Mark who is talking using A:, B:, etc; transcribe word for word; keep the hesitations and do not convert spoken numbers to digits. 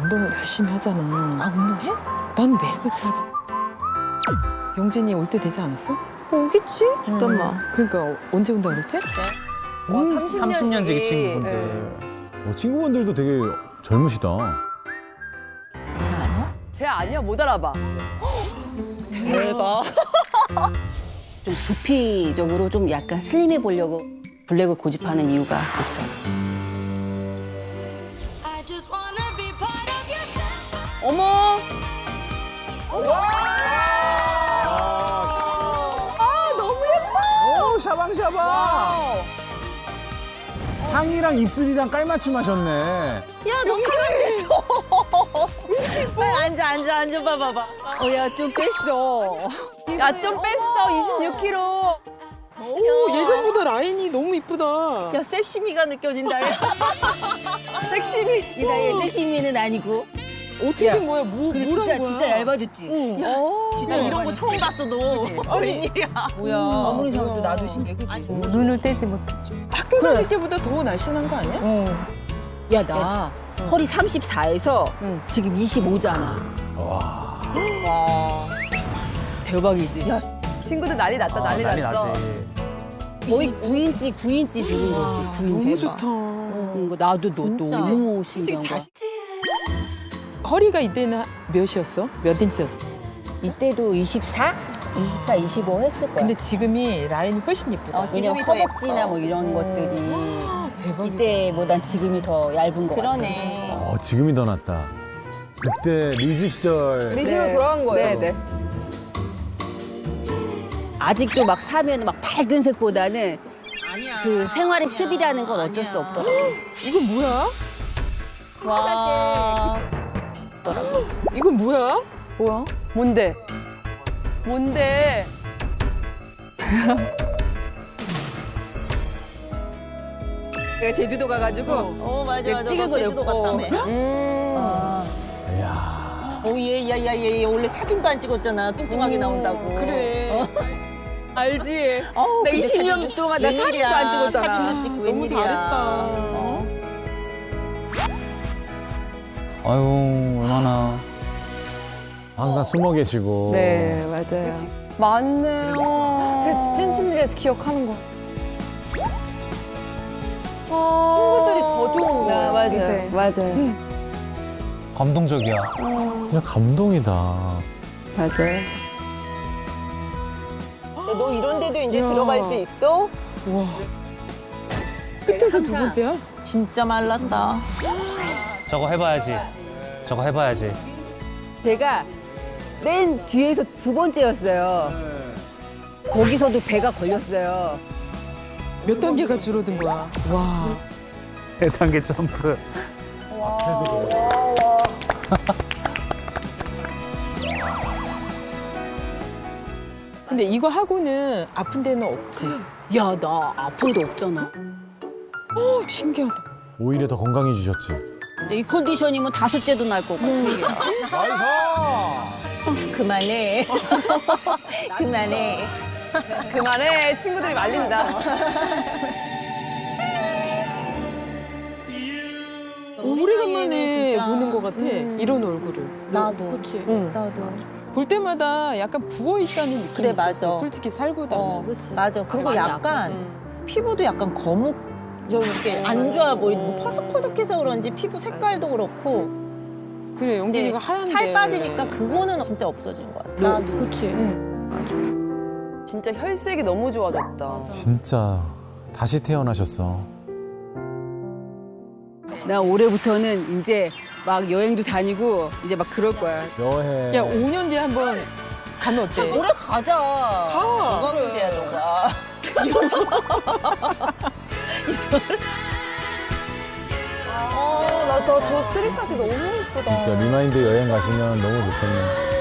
A: 운동을 열심히 하잖아.
B: 아, 운동해?
A: 난 매일같이 하지. 영진이 올 때 되지 않았어?
B: 오겠지? 잠깐만.
A: 그러니까 언제 온다 그랬지?
B: 와,
C: 삼십 년 지기 친구분들.
D: 어, 친구분들도 되게 젊으시다.
B: 쟤 아니야? 못 알아봐. 대박.
E: 좀 부피적으로 좀 약간 슬림해 보려고 블랙을 고집하는 이유가 있어.
F: I just wanna be part of your sunshine.
B: 어머. 아, 너무 예뻐.
D: 오, 샤방샤방.
B: 어.
D: 상이랑 입술이랑 깔맞춤 하셨네.
B: 야, 너무 사랑했어. 빨리 앉아, 앉아, 앉아, 봐봐봐.
E: 어, 야, 좀 뺐어.
B: 야, 좀 뺐어, 이십육 킬로그램.
A: 오, 예전보다 라인이 너무 이쁘다.
B: 야, 섹시미가 느껴진다. 섹시미.
E: 이 나이에 섹시미는 아니고.
A: 어떻게
E: 야,
A: 된 거야? 뭐,
E: 근데
A: 뭐란
E: 진짜,
A: 거야?
E: 진짜 얇아졌지?
B: 야, 진짜 이런 거 처음 봤어, 너. 웬일이야. 뭐야.
E: 아무리 생각해도 나도 신기해, 그치?
B: 눈을 떼지 못해.
A: 학교 다닐 때보다 더 날씬한 거 아니야?
E: 야, 나 허리 삼십사에서 지금 이십오잖아.
B: 와. 대박이지. 야, 친구들 난리 났다, 난리,
C: 난리
B: 났어.
C: 나지.
E: 거의 구 인치, 구 인치 죽은 거지. 구
A: 너무
E: 인치.
A: 좋다.
E: 응, 거 나도 너
B: 진짜.
E: 너무 신기한 거야.
A: 자신- 허리가 이때는 몇이었어? 몇 인치였어?
E: 이때도 이십사? 이십사, 이십오 했을 거야.
A: 근데 지금이 라인이 훨씬 이쁘다.
E: 어, 왜냐면
B: 지금이 더
E: 허벅지나
B: 예뻐.
E: 뭐 이런 것들이
A: 대박이다.
E: 이때보단 지금이 더 얇은 거 같아.
B: 그러네.
D: 어, 지금이 더 낫다. 그때 리즈 시절.
A: 리즈로 돌아간 거예요.
B: 네, 네.
E: 아직도 막 사면 막 밝은 색보다는 그 생활의 습이라는 건 어쩔 수 없더라고.
A: 이건 뭐야?
B: 와.
A: 이건 뭐야?
B: 뭐야? 뭔데? 뭔데?
A: 내가 제주도 가가지고
B: 어, 맞아, 맞아.
E: 찍은 거
B: 제주도
E: 냈고.
B: 갔다며.
E: 음.
D: 이야.
B: 오, 얘, 야, 야, 얘, 얘 원래 사진도 안 찍었잖아. 뚱뚱하게 나온다고.
A: 그래. 알지?
B: 어우,
E: 나
B: 근데
E: 이십 년
B: 사진-
E: 동안 나
B: 웬일이야.
E: 사진도 안 찍었잖아.
B: 사진도 찍고
A: 너무
B: 웬일이야.
A: 잘했다.
B: 어?
C: 아유, 얼마나.
D: 항상 숨어 계시고.
A: 네, 맞아요.
B: 맞네요.
A: 찐찐리에서 기억하는 거.
B: 친구들이
A: 더 좋은 거야,
B: 맞아요.
A: 이제.
B: 맞아요.
C: 감동적이야.
D: 진짜 감동이다.
B: 맞아요. 너 이런 데도 이제 들어갈 수 있어?
A: 와. 끝에서 두 번째야?
B: 진짜 말랐다.
C: 저거 해봐야지. 저거 해봐야지.
E: 제가 맨 뒤에서 두 번째였어요. 거기서도 배가 걸렸어요.
A: 몇 단계가 줄어든 거야? 와.
C: 일 단계 점프.
A: 근데 이거 하고는 아픈 데는 없지?
E: 야, 나 아픈 데 없잖아.
A: 어, 신기하다.
D: 오히려 더 건강해지셨지.
E: 근데 이 컨디션이면 다섯째도 날 것 같아.
D: 나이스!
B: 그만해. 그만해. 그만해. 친구들이 말린다.
A: 오래간만에
B: 진짜.
A: 보는 것 같아.
B: 음.
A: 이런 얼굴을.
E: 나도. 그치.
A: 응.
E: 나도.
A: 볼 때마다 약간 부어 있다는 느낌이
B: 그래,
A: 있었어.
B: 맞아.
A: 솔직히 살보다는.
E: 어, 그치.
B: 맞아. 그리고
E: 많이
B: 약간
A: 음.
B: 피부도 약간 거묵 좀 이렇게 안 좋아 보이고 뭐 퍼석퍼석해서 그런지 피부 색깔도 그렇고
A: 그래, 영진이가 하얀데.
B: 살 빠지니까 그거는 진짜 없어진 것 같아.
E: 나도. 그치.
B: 진짜 혈색이 너무 좋아졌다.
D: 진짜 다시 태어나셨어.
E: 나 올해부터는 이제 막 여행도 다니고 이제 막 그럴 거야.
D: 여행.
A: 야, 오 년 뒤에 한번 가면 어때?
B: 올해 가자.
A: 가.
B: 뭐가 문제야, 너가. 아, 나저 쓰리샷이 너무 예쁘다.
D: 진짜 리마인드 여행 가시면 너무 좋겠네.